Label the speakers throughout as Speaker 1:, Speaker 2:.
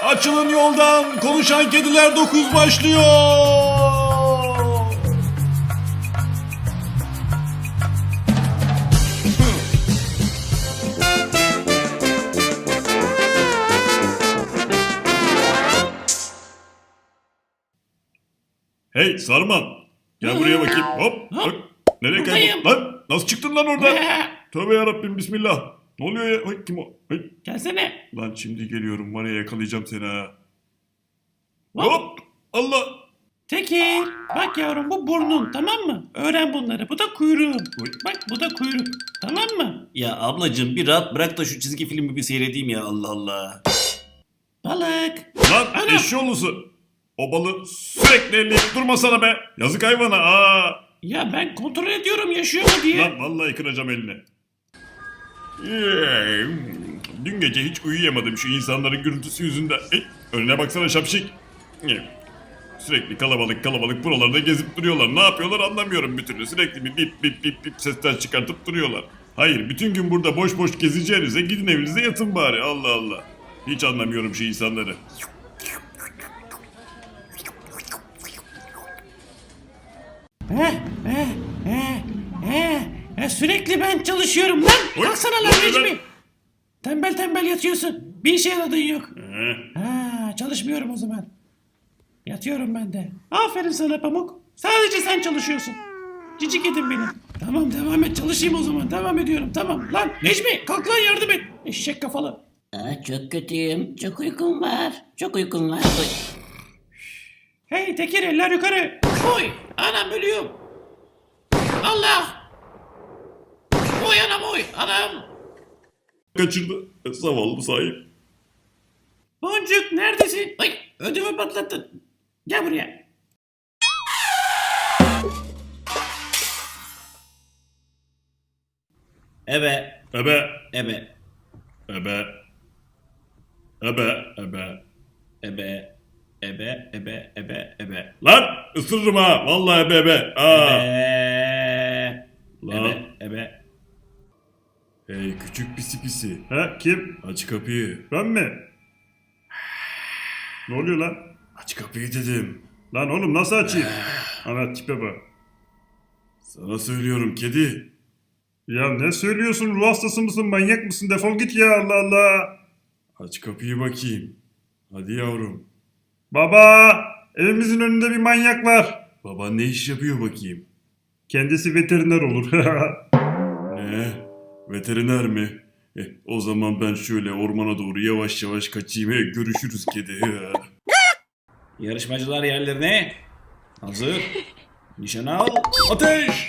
Speaker 1: Açılın yoldan. Konuşan Kediler 9 başlıyor. Hey Sarman. Gel buraya bakayım. Hop. Bak. Nereye kayboldun lan? Nasıl çıktın lan oradan? Tövbe yarabbim bismillah. Ne oluyor ya? Ay, kim o? Ay.
Speaker 2: Gelsene.
Speaker 1: Lan şimdi geliyorum. Var ya yakalayacağım seni ha.
Speaker 2: Hop.
Speaker 1: Hop. Allah.
Speaker 2: Tekir. Bak yavrum bu burnun, tamam mı? Öğren bunları. Bu da kuyruğun.
Speaker 1: Oy.
Speaker 2: Bak bu da kuyruk. Tamam mı?
Speaker 3: Ya ablacığım bir rahat bırak da şu çizgi filmi bir seyredeyim ya, Allah Allah.
Speaker 2: Balık.
Speaker 1: Lan
Speaker 2: Ana.
Speaker 1: eşşoğlusu. O balığı sürekli elleyip durmasana be. Yazık hayvana. Aa.
Speaker 2: Ya ben kontrol ediyorum yaşıyor mu diye.
Speaker 1: Lan vallahi kıracağım elini. Dün gece hiç uyuyamadım şu insanların gürültüsü yüzünden. Önüne baksana şapşik. Sürekli kalabalık kalabalık buralarda gezip duruyorlar. Ne yapıyorlar anlamıyorum bir türlü. Sürekli bir bip bip bip bip sesler çıkartıp duruyorlar. Hayır bütün gün burada boş boş gezeceğinize gidin evinize yatın bari. Allah Allah. Hiç anlamıyorum şu insanları.
Speaker 2: Sürekli ben çalışıyorum lan.
Speaker 1: Oy,
Speaker 2: Kalksana
Speaker 1: ne
Speaker 2: lan
Speaker 1: oluyor lan?
Speaker 2: Necmi. Tembel tembel yatıyorsun. Bir işe yaradığın yok.
Speaker 1: Ee,
Speaker 2: Ha, çalışmıyorum o zaman. Yatıyorum ben de. Aferin sana Pamuk. Sadece sen çalışıyorsun. Cici kedim benim. Tamam devam et çalışayım o zaman. Devam ediyorum tamam. Lan Necmi kalk lan yardım et. Eşek kafalı.
Speaker 4: Çok kötüyüm. Çok uykum var. Çok uykum var. Oy.
Speaker 2: Hey Tekir eller yukarı. Oy anam ölüyorum. Allah. Oy anam oy anam.
Speaker 1: kaçırdı. Zavallı sahip.
Speaker 2: Boncuk neredesin? Ay ödümü patlattın. Gel buraya.
Speaker 3: Ebe,
Speaker 1: Ebe.
Speaker 3: ebe,
Speaker 1: Ebe. Ebe. Ebe.
Speaker 3: ebe, ebe, ebe, ebe, ebe.
Speaker 1: Lan ısırırım ha. Vallahi ebe ebe. Aa. Lan.
Speaker 3: Ebe, ebe.
Speaker 1: Hey küçük pisi pisi. Ha kim? Aç kapıyı. Ben mi? Ne oluyor lan? Aç kapıyı dedim. Lan oğlum nasıl açayım? Ana tipe bak. Sana söylüyorum kedi. Ya ne söylüyorsun? Ruh hastası mısın? Manyak mısın? Defol git ya Allah Allah. Aç kapıyı bakayım. Hadi yavrum. Baba! Evimizin önünde bir manyak var. Baba ne iş yapıyor bakayım? Kendisi veteriner olur. Ne? Veteriner mi? O zaman ben şöyle ormana doğru yavaş yavaş kaçayım. Görüşürüz kedi.
Speaker 3: Yarışmacılar yerlerine. Hazır. Nişan al. Ateş!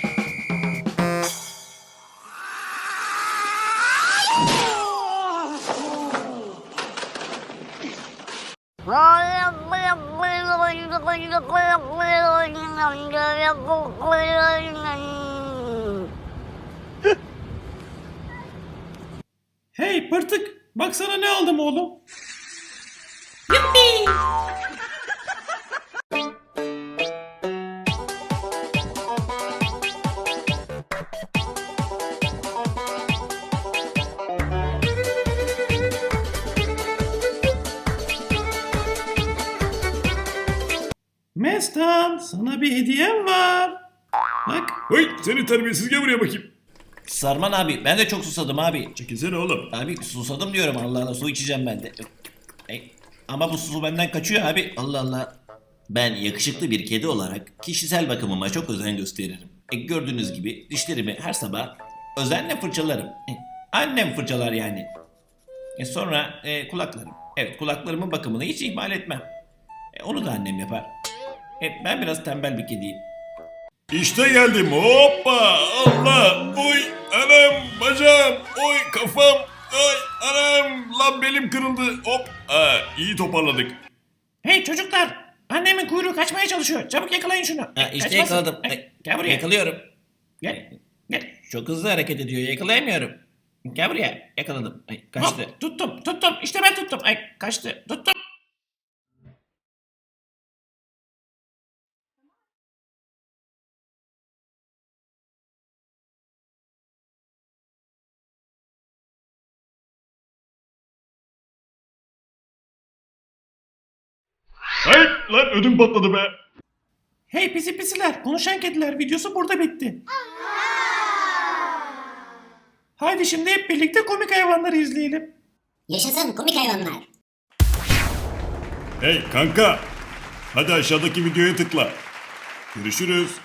Speaker 2: Hey pırtık baksana ne aldım oğlum. Mestan sana bir hediyem var. Bak.
Speaker 1: Hey seni terbiyesiz gel buraya bakayım.
Speaker 3: Sarman abi ben de çok susadım abi.
Speaker 1: Çekilsene oğlum.
Speaker 3: Abi susadım diyorum, Allah Allah, su içeceğim ben de. Ama bu su benden kaçıyor abi, Allah Allah. Ben yakışıklı bir kedi olarak kişisel bakımıma çok özen gösteririm. Gördüğünüz gibi dişlerimi her sabah özenle fırçalarım. Annem fırçalar yani. Sonra kulaklarım. Evet, kulaklarımın bakımını hiç ihmal etmem. Onu da annem yapar. Ben biraz tembel bir kediyim.
Speaker 1: İşte geldim. Hoppa! Allah! Oy! Anam! Bacağım! Oy! Kafam! Ay! Anam! Lan belim kırıldı. Hop! İyi toparladık.
Speaker 2: Hey çocuklar. Annemin kuyruğu kaçmaya çalışıyor. Çabuk yakalayın şunu.
Speaker 3: İşte
Speaker 2: Kaçmasın.
Speaker 3: yakaladım.
Speaker 2: Gel buraya.
Speaker 3: Yakalıyorum.
Speaker 2: Gel. Gel.
Speaker 3: Çok hızlı hareket ediyor, yakalayamıyorum. Gel buraya, yakaladım. Kaçtı.
Speaker 2: Hop, tuttum. İşte ben tuttum. Ay kaçtı. Tuttum.
Speaker 1: Lan ödüm patladı be.
Speaker 2: Hey pisi pisiler, konuşan kediler videosu burada bitti. Haydi şimdi hep birlikte komik hayvanları izleyelim.
Speaker 4: Yaşasın komik hayvanlar.
Speaker 1: Hey kanka. Hadi aşağıdaki videoya tıkla. Görüşürüz.